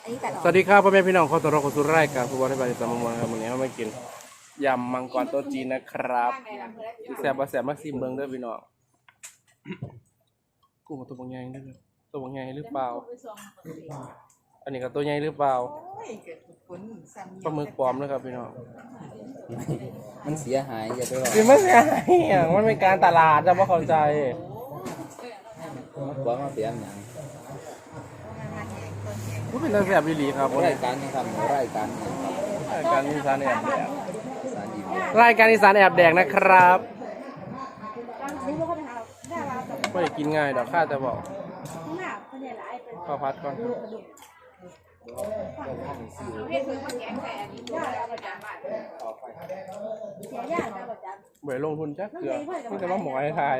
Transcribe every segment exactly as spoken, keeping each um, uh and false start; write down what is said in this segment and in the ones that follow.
สวัสดีครับพ่อแม่พี่น้องขอต้อนรับเข้าสู่รายการฟุตบอลในบ้านสามมวนครับวันนี้เรามากินยำมังกรโต๊ะจีนนะครับแซ่บบ่แซ่บมาซิมเบิ่งเด้อพี่น้องกุ้งตัวบางใหญ่เด้อตัวบางใหญ่หรือเปล่าอันนี้ก็ตัวใหญ่หรือเปล่าปลาหมึกปลอมนะครับพี่น้องมันเสียหายอย่าไปว่าคือมันเสียหายอ่ะมันเป็นการตลาดจะบ่เข้าใจมันบอกว่าเสียหยังมันเป็นตาแซ่บอีหลีครับรายการนะครับรายการนะครับรายการอีสานแอบแดกสารอีกรายการอีสานแอบแดกนะครับไม่ได้กินง่ายดอกข้าจะบอกข้าวพัดก่อนเบื่อลงทุนจักเกลือนี่จะมาหมอให้ทาย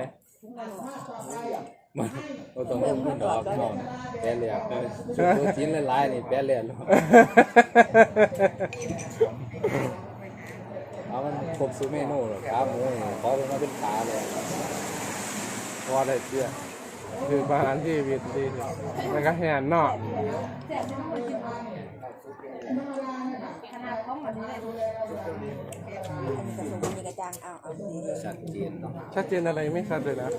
มันเราต้องลงทุนดอกมองแปะเลยอ่ะตัวชิ้นละลายนี่แปะเลยเอามันครบสูเมนูหรอครับหมูขอเป็นมาเป็นขาเลยพอได้เสื้อคืออาหารที่วิตดีแล้วก็แหนนอกชัดเจนเนาะชัดเจนอะไรไม่ชัดเลยนะ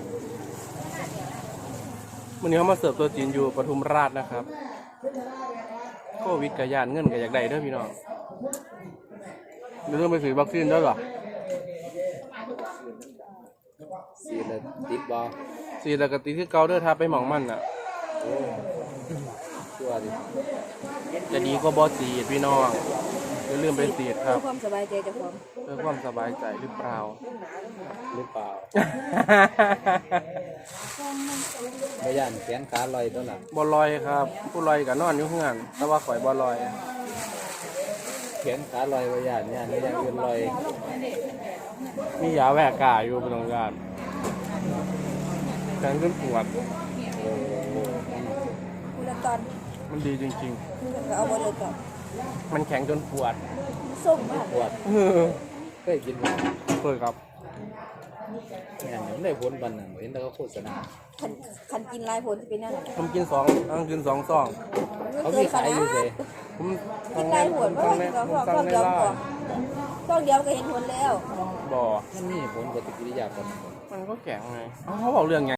วันนี้เขามาเสิร์ฟตัวจีนอยู่ปทุมราชนะครับโควิดกับยานเงินกับอยากได้เด้อพี่น้องเดี๋ยวต้องไปซื้อวัคซีนด้วยเหรอสีละติดบอสีแล้วก็ตีที่เกาเด้อทาไปหมองมันอ่ะโอ้ชัวร์ดิจะดีก็บอสีดพี่น้องอย่าลืมไปสีดครับเพื่อความสบายใจจะพร้อมเพื่อความสบายใจหรือเปล่าหรือเปล่าไม่ย่านแขนขาลอยตัวหลังบอลอยครับ ผู้ลอยกับนอนอยู่ข้างหลังแต่ว่าข่อยบอลอยแขนขาลอยไม่ย่านย่านไม่ย่านอื่นลอยมียาแหวกกาอยู่เป็นตรงการแขนขึ้นปวดโอ้โหคุณละตอนมันดีจริงคุณก็เอาบอลเลยก่อนๆ มันแข็งจนปวดส้มมากปวดเออเคยกินไหมเคยครับงานผมได้ผลบันหนึ่งเห็นแต่เขาโฆษณาคันคันกินลายผลจะเป็นนั่นผมกินสองอังกินสองซองเขามีขายอยู่เลยผมกินลายผลเพราะสั่งว่าในผมสั่เราก็งในเดียวร้าก่อน นต้องเดียวก็เห็นผลแล้วบ่อมันมีผลปฏิกิริยากันมันก็แข็งไงเอ้าเขาบอกเรื่องไง